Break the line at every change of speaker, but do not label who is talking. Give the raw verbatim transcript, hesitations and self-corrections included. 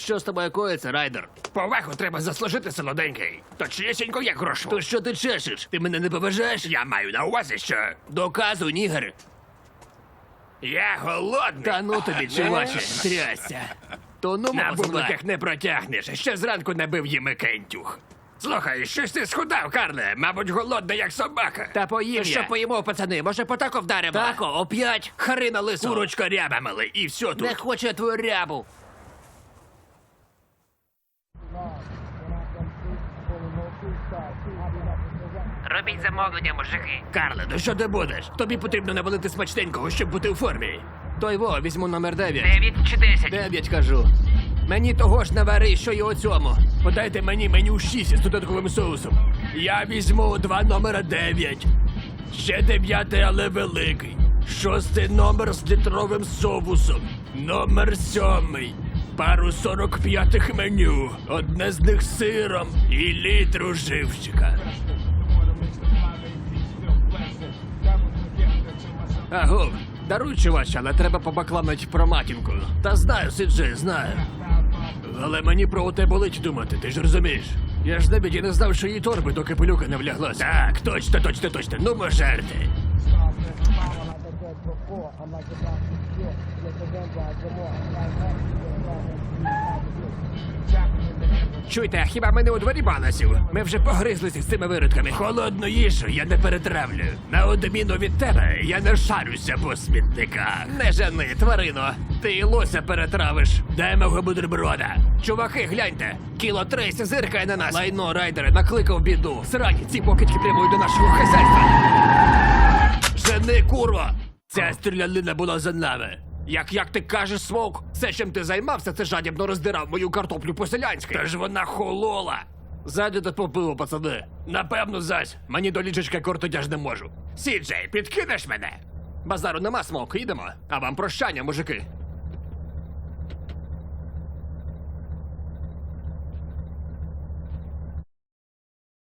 Що з тобою коїться, Райдер?
Повагу треба заслужити, солоденький. Точнісінько, як грошу.
То що ти чешеш? Ти мене не поважаєш?
Я маю на увазі, що
Доказуй, нігер.
я голодний.
Та ну тобі, чуваче, трясся. То ну,
На
мама,
бубликах не протягнеш. Ще зранку набив їм кентюх. Слухай, щось ти схудав, Карле. Мабуть, голодний, як собака.
Та поїм
Що
я.
поїмо, пацани? Може, по тако вдаримо?
Тако, оп'ять?
Харина лисо. Курочка ряба, мали, і все тут.
Не хоче твою рябу.
Робіть замовлення, мужики. Карле, ну що ти будеш? Тобі потрібно навалити смачненького, щоб бути у формі.
Той во, візьму номер дев'ять.
Дев'ять чи десять?
Дев'ять, кажу. Мені того ж навари, що й у цьому.
Подайте мені меню шість з додатковим соусом. Я візьму два номера дев'ять. Ще дев'ятий, але великий. Шостий номер з літровим соусом. Номер сьомий. Пару сорок п'ятих меню. Одне з них з сиром і літру живчика.
Агов, даруй, чувач, але треба побакламить про матінку. Та знаю, Сиджи, знаю.
Але мені про оте болить думати, ти ж розумієш?
Я ж навіть і не знав, що її торби до капелюка не вляглася.
Так, точно, точно, точно. Ну, можерти.
Чуйте, а хіба ми не у дворі банасів? Ми вже погризлися з цими виродками.
Холодну їжу я не перетравлю. На відміну від тебе, я не шарюся по смітниках.
Не жени, тварино. Ти і лося перетравиш.
Дай мого бутерброда.
Чуваки, гляньте. Кіло трейсі зиркає на нас. Лайно, райдери, накликав біду. Срані, ці покидьки прямують до нашого хазяйства.
Жени, курва! Ця стрілянина була за нами.
Як як ти кажеш, Смоук, все, чим ти займався, це жадібно роздирав мою картоплю по-селянськи.
Та ж вона холола.
Ззаді тут попило, пацани.
Напевно, зась. Мені до ліжечка кортотяж не можу. Сіджей, підкинеш мене?
Базару нема, Смоук, їдемо. А вам прощання, мужики.